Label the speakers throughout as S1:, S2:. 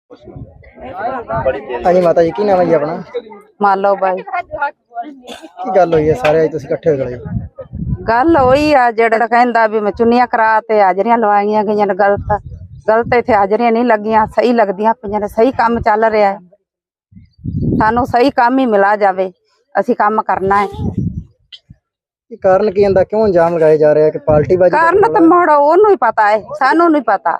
S1: हाँ जी माता जी की नाम है जी अपना?
S2: मालो भाई
S1: की गल हुई है सारे अज तुसीं इकट्ठे हो गए?
S2: गल होई आ जेड़ा कहंदा भी मैं चुन्नियां करा ते हाजरियां लवाईयां गईयां ने गलत गलत इत्थे हाजरियां नहीं लगियां सही लगदियां पईयां ने सही काम चल रहा है सानू सही काम ही मिला जावे असीं काम करना है।
S1: की कारण की इहदा क्यों अंजाम लगाए जा रहे हैं कि पार्टी बाजी?
S2: कारण तो मोड़ ओनू ही पता है सानू नहीं पता।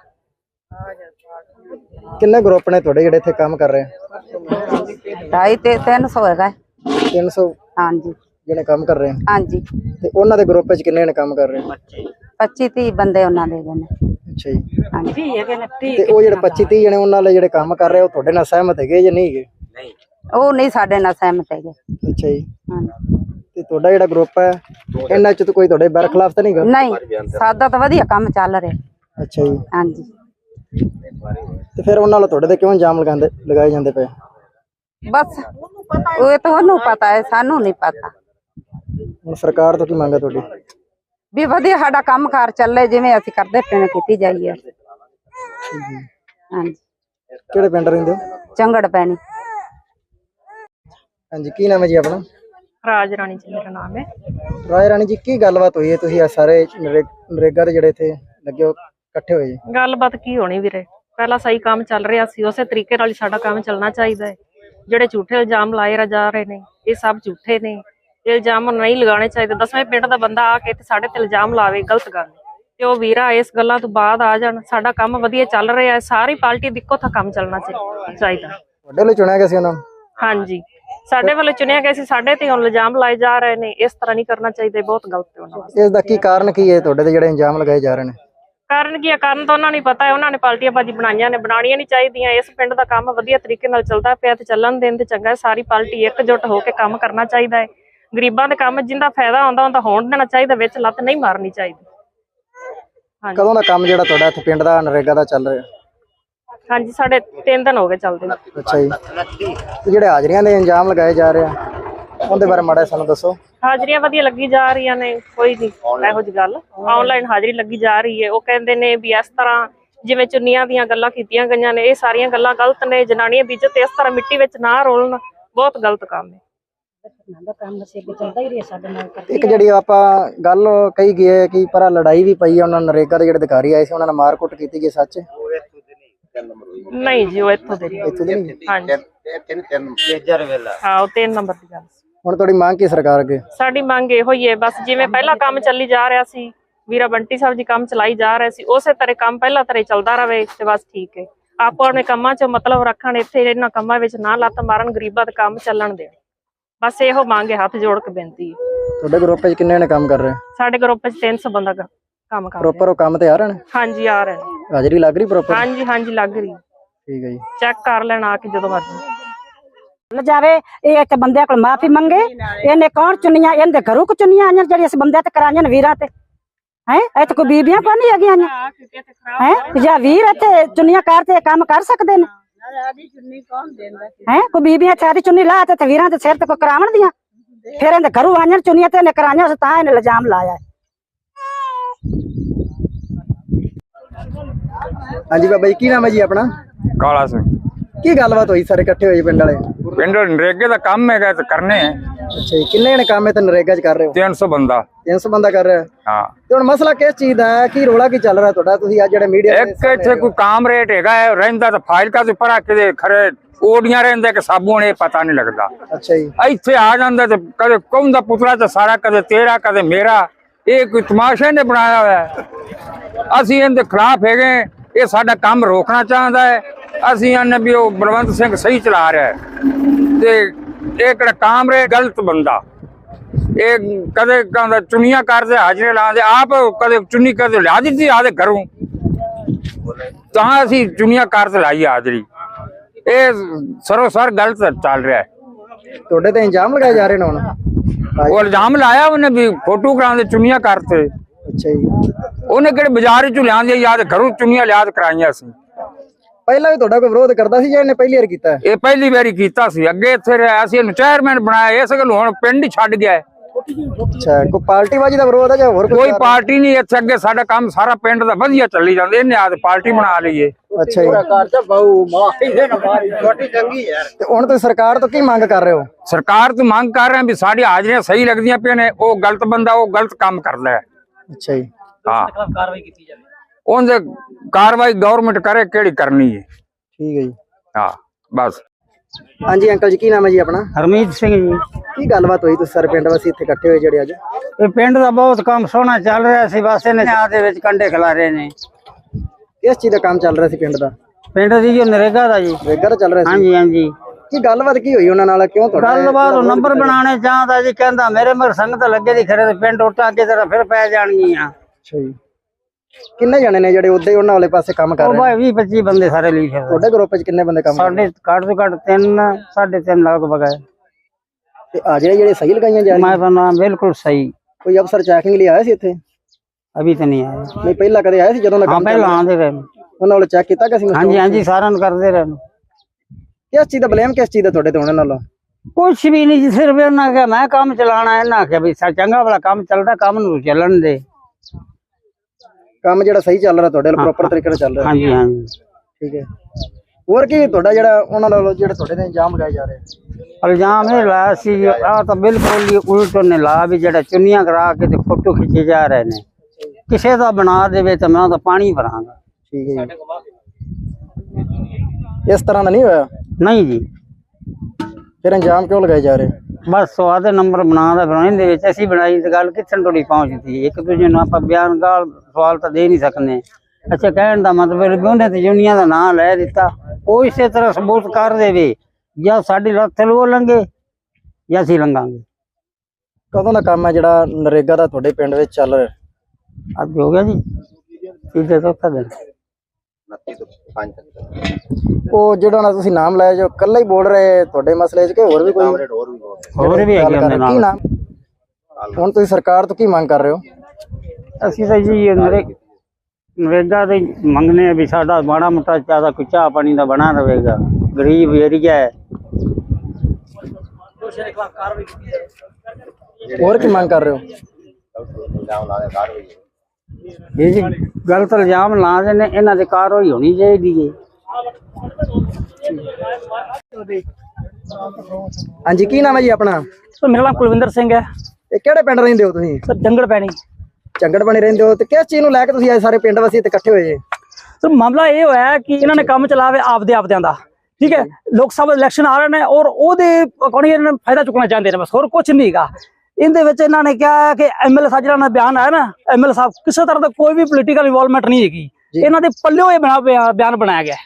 S1: किन्ने ग्रुप ने तुहाडे जेड़े इत्थे काम कर रहे हैं?
S2: 250-300 हैगा
S1: 300
S2: हाँ जी
S1: जेने काम कर रहे हैं
S2: हाँ जी
S1: ते उन्हां दे ग्रुप विच किन्ने ने काम कर रहे हैं?
S2: 25-30 बंदे उन्हां दे ने।
S1: अच्छा जी
S2: हाँ जी
S1: ते ओ जेड़े 25-30 जने उन्हां नाल जेड़े काम कर रहे हो तुहाडे नाल सहमत हैगे या नहीं हैगे?
S2: ओ नहीं साडे नाल सहमत हैगे।
S1: अच्छा जी
S2: हाँ
S1: ते तुहाडा जेड़ा ग्रुप है इन्हां च तो कोई तुहाडे बरखलाफ तो नहीं गा?
S2: नहीं सादा तो वधिया काम चल रहा।
S1: अच्छा जी
S2: हाँ जी
S1: ते फिर उन्हां नाल तुहाडे ते क्यों अंजाम लगाए जांदे पे?
S2: बस वो तो ओनू पता है सानू नहीं पता।
S1: हुण सरकार तो की मंग है तुहाडी?
S2: भी वधिया साडा काम कार चले जिवें असीं करदे पे ने कीती जाईए। हाँ जी
S1: किहड़े पिंड रहिंदे हो?
S2: चंगड़ पैनी।
S1: हाँ जी की नाम है जी अपना?
S3: राज रानी जी मेरा नाम है।
S1: राय रानी जी की गलबात हुई है तुसीं सारे नरेगा दे जेड़े थे लगे हो इकट्ठे होए?
S3: गलबात की होनी वीरे पहला सही काम चल रहा सी उसे तरीके नाल साडा काम चलना चाहिए है। ਜਿਹੜੇ ਝੂਠੇ ਇਲਜ਼ਾਮ ਲਾਏ ਜਾ ਰਹੇ ਨੇ ਇਹ ਸਭ ਝੂਠੇ ਨੇ ਇਹ ਇਲਜ਼ਾਮ ਨਹੀਂ ਲਗਾਉਣੇ ਚਾਹੀਦੇ। 10ਵੇਂ ਪਿੰਡ ਦਾ ਬੰਦਾ ਆ ਕੇ ਤੇ ਸਾਡੇ ਤੇ ਇਲਜ਼ਾਮ ਲਾਵੇ ਗਲਤ ਗੱਲ ਤੇ ਉਹ ਵੀਰਾ ਇਸ ਗੱਲਾਂ ਤੋਂ ਬਾਅਦ ਆ ਜਾਣ ਸਾਡਾ ਕੰਮ ਵਧੀਆ ਚੱਲ ਰਿਹਾ ਹੈ ਸਾਰੀ ਪਾਰਟੀ ਦੇ ਇੱਕੋ ਥਾਂ ਕੰਮ ਚੱਲਣਾ ਚਾਹੀਦਾ।
S1: ਤੁਹਾਡੇ ਲਈ ਚੁਣਿਆ ਗਿਆ ਸੀ ਉਹਨਾਂ ਨੂੰ?
S3: ਹਾਂਜੀ ਸਾਡੇ ਵੱਲੋਂ ਚੁਣਿਆ ਗਿਆ ਸੀ ਸਾਡੇ ਤੇ ਹੁਣ ਇਲਜ਼ਾਮ ਲਾਏ ਜਾ ਰਹੇ ਨੇ ਇਸ ਤਰ੍ਹਾਂ ਨਹੀਂ ਕਰਨਾ ਚਾਹੀਦਾ ਬਹੁਤ ਗਲਤ ਹੈ ਉਹਨਾਂ ਦਾ।
S1: ਇਸ ਦਾ ਕੀ ਕਾਰਨ ਕੀ ਹੈ ਤੁਹਾਡੇ ਤੇ ਜਿਹੜੇ ਇਲਜ਼ਾਮ ਲਗਾਏ ਜਾ ਰਹੇ ਨੇ?
S3: ਕਾਰਨ ਕੀ ਹੈ ਕਾਰਨ ਤਾਂ ਉਹਨਾਂ ਨੂੰ ਪਤਾ ਹੈ ਉਹਨਾਂ ਨੇ ਪਾਰਟੀਆਂ ਬਾਜੀ ਬਣਾਈਆਂ ਨੇ ਬਣਾਉਣੀਆਂ ਨਹੀਂ ਚਾਹੀਦੀਆਂ। ਇਸ ਪਿੰਡ ਦਾ ਕੰਮ ਵਧੀਆ ਤਰੀਕੇ ਨਾਲ ਚੱਲਦਾ ਪਿਆ ਤੇ ਚੱਲਣ ਦੇਣ ਤੇ ਚੰਗਾ। ਸਾਰੀ ਪਾਰਟੀ ਇਕਜੁੱਟ ਹੋ ਕੇ ਕੰਮ ਕਰਨਾ ਚਾਹੀਦਾ ਹੈ। ਗਰੀਬਾਂ ਦੇ ਕੰਮ ਜਿੰਦਾ ਫਾਇਦਾ ਆਉਂਦਾ ਉਹਦਾ ਹੋਣ ਦੇਣਾ ਚਾਹੀਦਾ ਵਿੱਚ ਲੱਤ ਨਹੀਂ ਮਾਰਨੀ ਚਾਹੀਦੀ।
S1: ਕਦੋਂ ਦਾ ਕੰਮ ਜਿਹੜਾ ਤੁਹਾਡਾ ਇੱਥੇ ਪਿੰਡ ਦਾ ਨਰੇਗਾ ਦਾ ਚੱਲ ਰਿਹਾ?
S3: ਹਾਂਜੀ ਸਾਡੇ 3 ਦਿਨ ਹੋ ਗਏ ਚੱਲਦੇ।
S1: ਅੱਛਾ ਜੀ ਤੇ ਜਿਹੜੇ ਹਾਜ਼ਰੀਆਂ ਦੇ ਇਲਜ਼ਾਮ ਲਗਾਏ ਜਾ ਰਹੇ ਆ ਉਹਦੇ ਬਾਰੇ ਮਾੜਾ ਸਾਨੂੰ ਦੱਸੋ।
S3: ਹਾਜ਼ਰੀਆਂ ਵਧੀਆ ਲੱਗੀ ਜਾ ਰਹੀਆਂ ਨੇ ਕੋਈ ਨਹੀਂ ਇਹੋ ਜਿਹੀ ਗੱਲ ਆਨਲਾਈਨ ਹਾਜ਼ਰੀ ਲੱਗੀ ਜਾ ਰਹੀ ਹੈ। ਉਹ ਕਹਿੰਦੇ ਨੇ ਵੀ ਇਸ ਤਰ੍ਹਾਂ ਜਿਵੇਂ ਚੁੰਨੀਆਂ ਦੀਆਂ ਗੱਲਾਂ ਕੀਤੀਆਂ ਗਈਆਂ ਨੇ ਇਹ ਸਾਰੀਆਂ ਗੱਲਾਂ ਗਲਤ ਨੇ। ਜਨਾਨੀਆਂ ਦੀ ਇੱਜ਼ਤ ਇਸ ਤਰ੍ਹਾਂ ਮਿੱਟੀ ਵਿੱਚ ਨਾ ਰੋਲਣ ਬਹੁਤ ਗਲਤ ਕੰਮ ਹੈ।
S1: ਇੱਕ ਜਿਹੜੀ ਆਪਾਂ ਗੱਲ ਕਹੀ ਗਈ ਹੈ ਕਿ ਪਰ ਲੜਾਈ ਵੀ ਪਈ ਹੈ ਉਹਨਾਂ ਨਰੇਗਾ ਦੇ ਜਿਹੜੇ ਅਧਿਕਾਰੀ ਆਏ ਸੀ ਉਹਨਾਂ ਨਾਲ ਮਾਰਕੁੱਟ ਕੀਤੀ ਗਈ ਸੱਚ?
S3: ਨਹੀਂ ਜੀ ਉਹ ਇੱਥੋਂ ਦੇ
S1: ਨਹੀਂ।
S3: ਹਾਂਜੀ ਹਾਂ ਉਹ 3 ਨੰਬਰ ਦੀ ਗੱਲ।
S1: ਹੁਣ ਤੁਹਾਡੀ ਮੰਗ ਕੀ ਸਰਕਾਰ ਅੱਗੇ?
S3: ਸਾਡੀ ਮੰਗ ਇਹੋ ਹੀ ਹੈ ਬਸ ਜਿਵੇਂ ਪਹਿਲਾ ਕੰਮ ਚੱਲੀ ਜਾ ਰਿਹਾ ਸੀ ਵੀਰਾ ਬੰਟੀ ਸਾਹਿਬ ਜੀ ਕੰਮ ਚਲਾਈ ਜਾ ਰਹੇ ਸੀ ਉਸੇ ਤਰ੍ਹਾਂ ਕੰਮ ਪਹਿਲਾਂ ਤਰ੍ਹਾਂ ਚੱਲਦਾ ਰਹੇ ਤੇ ਬਸ ਠੀਕ ਹੈ। ਆਪੋ ਆਪਣੇ ਕੰਮਾਂ 'ਚ ਮਤਲਬ ਰੱਖਣ ਇੱਥੇ ਇਹਨਾਂ ਕੰਮਾਂ ਵਿੱਚ ਨਾ ਲੱਤ ਮਾਰਨ ਗਰੀਬਾਂ ਦਾ ਕੰਮ ਚੱਲਣ ਦੇਣ ਬਸ ਇਹੋ ਮੰਗ ਹੈ ਹੱਥ ਜੋੜ ਕੇ ਬੇਨਤੀ ਹੈ।
S1: ਤੁਹਾਡੇ ਗਰੁੱਪ 'ਚ ਕਿੰਨੇ ਨੇ ਕੰਮ ਕਰ ਰਹੇ?
S3: ਸਾਡੇ ਗਰੁੱਪ 'ਚ 300 ਬੰਦਾ ਕੰਮ ਕਰ ਰਿਹਾ।
S1: ਪ੍ਰੋਪਰ ਉਹ ਕੰਮ ਤੇ ਆ ਰਹੇ ਨੇ?
S3: ਹਾਂਜੀ ਆ ਰਹੇ ਨੇ।
S1: ਹਾਜ਼ਰੀ ਲੱਗ ਰਹੀ ਪ੍ਰੋਪਰ?
S3: ਹਾਂਜੀ ਹਾਂਜੀ ਲੱਗ ਰਹੀ।
S1: ਠੀਕ ਹੈ ਜੀ
S3: ਚੈੱਕ ਕਰ ਲੈਣ ਆ ਕੇ ਜਦੋਂ ਮਰਜ਼ੀ
S4: जावे ये इत्थे बंदे को माफी मंगे इन्हें कौन चुनिया इनके घरों को चुनिया आईया जी अस बंदे ते कराईया ने वीरां ते हैं इत्थे कोई बीबियां को नहीं हैगियां हैं या वीर इत्थे चुनिया करते काम कर सकदे ने हैं कोई बीबियां सारी चुन्नी ला ते वीरां दे सिर ते कोई करावण दियां फिर इनके घरों आईया चुनिया ते इन्हें कराईया तां इन्हें इल्जाम लाया।
S1: हाँ जी बाबा जी की नाम है जी अपना?
S5: काला सिंह।
S1: की गलबात हुई सारे इकट्ठे होए पिंड वाले?
S5: पिंड नरेगे का काम है तो करने हैं।
S1: अच्छा जी किन्ने ने काम है तो नरेगा च कर रहे हो?
S5: 300 बंदा।
S1: 300 बंदा कर रहा है?
S5: हाँ
S1: ਤੇ ਹੁਣ ਮਸਲਾ ਕਿਸ ਚੀਜ਼ ਦਾ ਹੈ ਕੀ ਰੋਲਾ ਕੀ ਚੱਲ ਰਿਹਾ ਤੁਹਾਡਾ ਤੁਸੀਂ ਅੱਜ ਜਿਹੜੇ ਮੀਡੀਆ
S5: एक इत्थे कोई काम रेट हैगा है रहिंदा तो फाइल का भरा के खरे ओडियां रहिंदे कि साबुन ये पता नहीं लगता।
S1: अच्छा जी
S5: इत्थे आ जांदा ते कदे कौन दा पुतला ते सारा कदे तेरा कदे मेरा ये कोई तमाशे ने बनाया हुआ है। असीं इनके खिलाफ हैगे ये साडा काम रोकना चाहता है। असीं आने भी वो बलवंत सिंह सही चला रहा है ते एक काम रे गलत बंदा ये कदे कहंदा चुनियां करदे हाजरे लांदे आप कदे चुन्नी करदे ला दी आदे घरों तां असीं चुनियां करदे लाई हाजरी ये सरोसर गलत चल रहा है।
S1: ਤੁਹਾਡੇ ਤੇ ਇਲਜ਼ਾਮ ਲਗਾਏ ਜਾ ਰਹੇ ਨੇ ਹੁਣ?
S5: वो इल्जाम लाया उन्हें भी फोटो करांदे चुनियां करते।
S1: अच्छा जी
S5: उन्हें किहड़े बाजार चों लिआंदे याद घरों चुनियां लियाद कराईयां सी।
S1: ਪਹਿਲਾਂ ਵੀ ਤੁਹਾਡਾ ਕੋਈ ਵਿਰੋਧ ਕਰਦਾ ਸੀ ਜਾਂ ਇਹਨੇ ਪਹਿਲੀ ਵਾਰ ਕੀਤਾ?
S5: ਇਹ ਪਹਿਲੀ ਵਾਰੀ ਕੀਤਾ ਸੀ ਅੱਗੇ ਇੱਥੇ ਰਿਹਾ ਸੀ ਇਹਨੂੰ ਚੇਅਰਮੈਨ ਬਣਾਇਆ ਇਸ ਗੱਲ ਹੁਣ ਪਿੰਡ ਹੀ ਛੱਡ ਗਿਆ
S1: ਅੱਛਾ, ਕੋਈ ਪਾਰਟੀਬਾਜ਼ੀ ਦਾ ਵਿਰੋਧ ਹੈ ਜਾਂ ਹੋਰ
S5: ਕੋਈ ਪਾਰਟੀ ਨਹੀਂ ਇੱਥੇ, ਅੱਗੇ ਸਾਡਾ ਕੰਮ ਸਾਰਾ ਪਿੰਡ ਦਾ ਵਧੀਆ ਚੱਲੀ ਜਾਂਦਾ, ਇਹਨੇ ਆਦ ਪਾਰਟੀ ਬਣਾ ਲਈਏ।
S1: ਅੱਛਾ ਜੀ, ਤੇ ਹੁਣ ਤੁਸੀਂ ਸਰਕਾਰ ਤੋਂ ਕੀ ਮੰਗ ਕਰ ਰਹੇ ਹੋ?
S5: ਸਰਕਾਰ ਤੋਂ ਮੰਗ ਕਰ ਰਹੇ ਹਾਂ ਵੀ ਸਾਡੀ ਹਾਜ਼ਰੀਆਂ ਸਹੀ ਲੱਗਦੀਆਂ ਪਈਆਂ ਨੇ, ਉਹ ਗਲਤ ਬੰਦਾ ਉਹ ਗਲਤ ਕੰਮ ਕਰਦਾ ਹੈ।
S1: ਅੱਛਾ ਜੀ,
S5: ਹਾਂ, ਉਹਦੇ ਕਾਰਵਾਈ ਗਵਰਨਮੈਂਟ ਕਰੇ, ਕਿਹੜੀ ਕਰਨੀ ਹੈ।
S1: ਠੀਕ ਹੈ ਜੀ।
S5: ਹਾਂ ਬਸ।
S1: ਹਾਂਜੀ ਅੰਕਲ ਜੀ, ਕੀ ਨਾਮ ਹੈ ਜੀ ਆਪਣਾ?
S6: ਹਰਮੀਤ ਸਿੰਘ ਜੀ।
S1: ਕੀ ਗੱਲਬਾਤ ਹੋਈ ਤੁਸੀਂ ਸਾਰੇ ਪਿੰਡ ਵਾਸੀ ਇੱਥੇ ਇਕੱਠੇ ਹੋਏ ਜਿਹੜੇ ਅੱਜ?
S6: ਇਹ ਪਿੰਡ ਦਾ ਬਹੁਤ ਕੰਮ ਸੋਹਣਾ ਚੱਲ ਰਿਹਾ ਸੀ, ਬਸ ਇਹਨੇ ਆ ਦੇ ਵਿੱਚ ਕੰਡੇ ਖਿਲਾਰੇ ਨੇ।
S1: ਕਿਸ ਚੀਜ਼ ਦਾ ਕੰਮ ਚੱਲ ਰਿਹਾ ਸੀ ਪਿੰਡ ਦਾ?
S6: ਪਿੰਡ ਦੀ ਜੋ ਨਰੇਗਾ ਦਾ ਜੀ।
S1: ਰੇਗਾ ਦਾ ਚੱਲ ਰਿਹਾ ਸੀ?
S6: ਹਾਂਜੀ ਹਾਂਜੀ।
S1: ਕੀ ਗੱਲਬਾਤ ਕੀ ਹੋਈ ਉਹਨਾਂ ਨਾਲ? ਕਿਉਂ ਤੁਹਾਡਾ
S6: ਗੱਲਬਾਤ ਉਹ ਨੰਬਰ ਬਣਾਉਣੇ ਚਾਹਦਾ ਜੀ, ਕਹਿੰਦਾ ਮੇਰੇ ਮਰ ਸੰਗਤ ਲੱਗੇ ਦੀ ਖਰੇ ਪਿੰਡ ਉੱਟਾਂ ਅੱਗੇ ਤਰ੍ਹਾਂ ਫਿਰ ਪੈ ਜਾਣਗੀਆਂ।
S1: ਅੱਛਾ ਜੀ, ਕਿੰਨੇ ਜਣੇ ਨੇ ਜਿਹੜੇ ਉੱਦੇ ਉਹਨਾਂ ਵਾਲੇ ਪਾਸੇ ਕੰਮ ਕਰ
S6: ਉਹ
S1: ਰਹੇ
S6: ਭਾਈ 20-25 ਬੰਦੇ ਸਾਰੇ ਲਈ ਫਿਰ।
S1: ਤੁਹਾਡੇ ਗਰੁੱਪ 'ਚ ਕਿੰਨੇ ਬੰਦੇ ਕੰਮ ਕਰ ਰਹੇ?
S6: ਸਾਡੇ ਘੱਟ ਤੋਂ ਘੱਟ 3-3.5 ਲਗਭਗ ਹੈ।
S1: ਤੇ ਆ ਜਿਹੜੇ ਸਹੀ ਲਗਾਈਆਂ ਜਾ
S6: मैं
S1: ਰਹੀਆਂ?
S6: बना बिल्कुल सही।
S1: ਕੋਈ ਅਫਸਰ ਚੈਕਿੰਗ ਲਈ ਆਇਆ ਸੀ ਇੱਥੇ?
S6: अभी तो नहीं आया।
S1: ਨਹੀਂ ਪਹਿਲਾਂ ਕਦੇ ਆਇਆ ਸੀ ਜਦੋਂ ਦਾ
S6: हाँ
S1: ਕੰਮ
S6: पहले
S1: ਚੱਲ
S6: आते रहे।
S1: ਉਹਨਾਂ ਵਾਲੇ ਚੈੱਕ ਕੀਤਾ ਕਿ ਸੀ?
S6: हाँ जी हाँ जी सारा करते रहे।
S1: ਕਿਸ ਚੀਜ਼ ਦਾ ਬਲੇਮ ਕਿਸ ਚੀਜ਼ ਦਾ ਤੁਹਾਡੇ ਤੇ ਉਹਨਾਂ ਨਾਲ?
S6: कुछ भी नहीं जी, सिर्फ इन्होंने क्या मैं काम चलाना है ना, क्या भाई चंगा वाला काम चलता, काम नूं चलन दे।
S1: ਕੰਮ ਜਿਹੜਾ ਸਹੀ ਚੱਲ ਰਿਹਾ ਤੁਹਾਡੇ ਨਾਲ, ਪ੍ਰੋਪਰ ਤਰੀਕੇ ਨਾਲ ਚੱਲ ਰਿਹਾ?
S6: हाँ जी हाँ जी।
S1: ਠੀਕ ਹੈ। ਹੋਰ ਕੀ ਤੁਹਾਡਾ ਜਿਹੜਾ ਉਹਨਾਂ ਨਾਲ ਜਿਹੜੇ ਤੁਹਾਡੇ ਤੇ ਇਲਜ਼ਾਮ ਲਗਾਏ ਜਾ ਰਹੇ?
S6: इल्जाम ये लाया सी आ तो बिल्कुल ही उल्ट ने ला भी जेड़ा चुनियां करा के ते फोटो खिंचे जा रहे ने, किसे दा बना देवे तो मैं तो पानी भरांगा।
S1: ਠੀਕ ਹੈ ਜੀ। ਇਸ ਤਰ੍ਹਾਂ ਦਾ ਨਹੀਂ ਹੋਇਆ?
S6: नहीं जी,
S1: ਫਿਰ ਇਲਜ਼ਾਮ ਕਿਉਂ ਲਗਾਏ ਜਾ ਰਹੇ?
S6: बस आधे नंबर बना बनाने दे विच असीं बनाई ते गल कित्थन तोड़ी पहुंचदी। एक दूजे नूं आपां बयान गाल सवाल तो दे नहीं सकने। अच्छा, कहण दा मतलब भी उन्हें ते यूनियन दा नाम लै दित्ता, ਉਹ ਇਸੇ ਤਰ੍ਹਾਂ ਸਬੂਤ ਕਰ ਦੇਵੇ ਜਾਂ ਸਾਡੀ ਲੱਤ ਲੋ ਲੰਗੇ ਜਾਂ ਅਸੀਂ ਲੰਘਾਂਗੇ।
S1: ਕਦੋਂ ਦਾ ਕੰਮ ਹੈ ਜਿਹੜਾ ਨਰੇਗਾ ਦਾ ਤੁਹਾਡੇ ਪਿੰਡ ਵਿੱਚ ਚੱਲ ਰਿਹਾ?
S6: ਅੱਜ ਹੋ ਗਿਆ ਜੀ ਤੀਜੇ ਚੌਥਾ ਦਿਨ।
S1: ਉਹ ਜਿਹੜਾ ਨਾ ਤੁਸੀਂ ਨਾਮ ਲਾਇਆ ਜੋ ਇਕੱਲਾ ਹੀ ਬੋਲ ਰਹੇ ਤੁਹਾਡੇ ਮਸਲੇ 'ਚ, ਕਿ ਹੋਰ ਵੀ ਕੋਈ
S6: ਹੋਰ ਵੀ ਹੈਗੇ ਉਹਦੇ
S1: ਕੀ
S6: ਨਾਲ।
S1: ਨਾਮ? ਹੁਣ ਤੁਸੀਂ ਸਰਕਾਰ ਤੋਂ ਕੀ ਮੰਗ ਕਰ ਰਹੇ ਹੋ?
S6: ਅਸੀਂ ਤਾਂ ਜੀ ਨਰੇਗਾ ਦੇ ਮੰਗਨੇ ਆ ਵੀ ਸਾਡਾ ਮਾੜਾ ਮੋਟਾ ਜ਼ਿਆਦਾ ਕੋਈ ਚਾਹ ਪਾਣੀ ਦਾ ਬਣਾ ਰਹੇਗਾ, ਗਰੀਬ ਏਰੀਆ ਹੈ।
S1: ਹੋਰ ਕੀ ਮੰਗ ਕਰ ਰਹੇ ਹੋ?
S6: ਇਹ ਜੀ ਗਲਤ ਇਲਜ਼ਾਮ ਲਾ ਦੇ ਨੇ, ਇਹਨਾਂ ਦੇ ਕਾਰਵਾਈ ਹੋਣੀ ਚਾਹੀਦੀ ਹੈ।
S1: ਹਾਂਜੀ, ਕੀ ਨਾਮ ਹੈ ਜੀ ਆਪਣਾ?
S7: ਮੇਰਾ ਨਾਮ ਕੁਲਵਿੰਦਰ ਸਿੰਘ ਹੈ।
S1: ਇਹ ਕਿਹੜੇ ਪਿੰਡ ਰਹਿੰਦੇ ਹੋ ਤੁਸੀਂ?
S7: ਸਰ ਜੰਗਲ ਪੈਣੀ।
S1: ਚੰਗੜ ਬਣੇ ਰਹਿੰਦੇ ਹੋ, ਤੇ ਕਿਸ ਚੀਜ਼ ਨੂੰ ਲੈ ਕੇ ਤੁਸੀਂ ਅੱਜ ਸਾਰੇ ਪਿੰਡ ਵਾਸੀ ਇੱਥੇ ਇਕੱਠੇ ਹੋਏ ਜੇ?
S7: ਸਰ ਮਾਮਲਾ ਇਹ ਹੋਇਆ ਕਿ ਇਹਨਾਂ ਨੇ ਕੰਮ ਚਲਾਵੇ ਆਪਦਿਆਂ ਦਾ, ਠੀਕ ਹੈ। ਲੋਕ ਸਭਾ ਇਲੈਕਸ਼ਨ ਆ ਰਹੇ ਨੇ ਔਰ ਉਹਦੇ ਅਕੋਰਡਿੰਗ ਇਹਨਾਂ ਨੇ ਫਾਇਦਾ ਚੁੱਕਣਾ ਚਾਹੁੰਦੇ ਨੇ, ਬਸ ਹੋਰ ਕੁਝ ਨਹੀਂ ਹੈਗਾ। ਇਹਦੇ ਵਿੱਚ ਇਹਨਾਂ ਨੇ ਕਿਹਾ ਕਿ ਐਮਐਲਏ ਸਾਹਿਬ ਜਿਹੜਾ ਬਿਆਨ ਆਇਆ ਨਾ, ਐਮਐਲਏ ਸਾਹਿਬ ਕਿਸੇ ਤਰ੍ਹਾਂ ਦਾ ਕੋਈ ਵੀ ਪੋਲੀਟੀਕਲ ਇਨਵੋਲਵਮੈਂਟ ਨਹੀਂ ਹੈਗੀ, ਇਹਨਾਂ ਦੇ ਪੱਲਿਓ ਇਹ ਬਿਆਨ ਬਣਾਇਆ ਗਿਆ।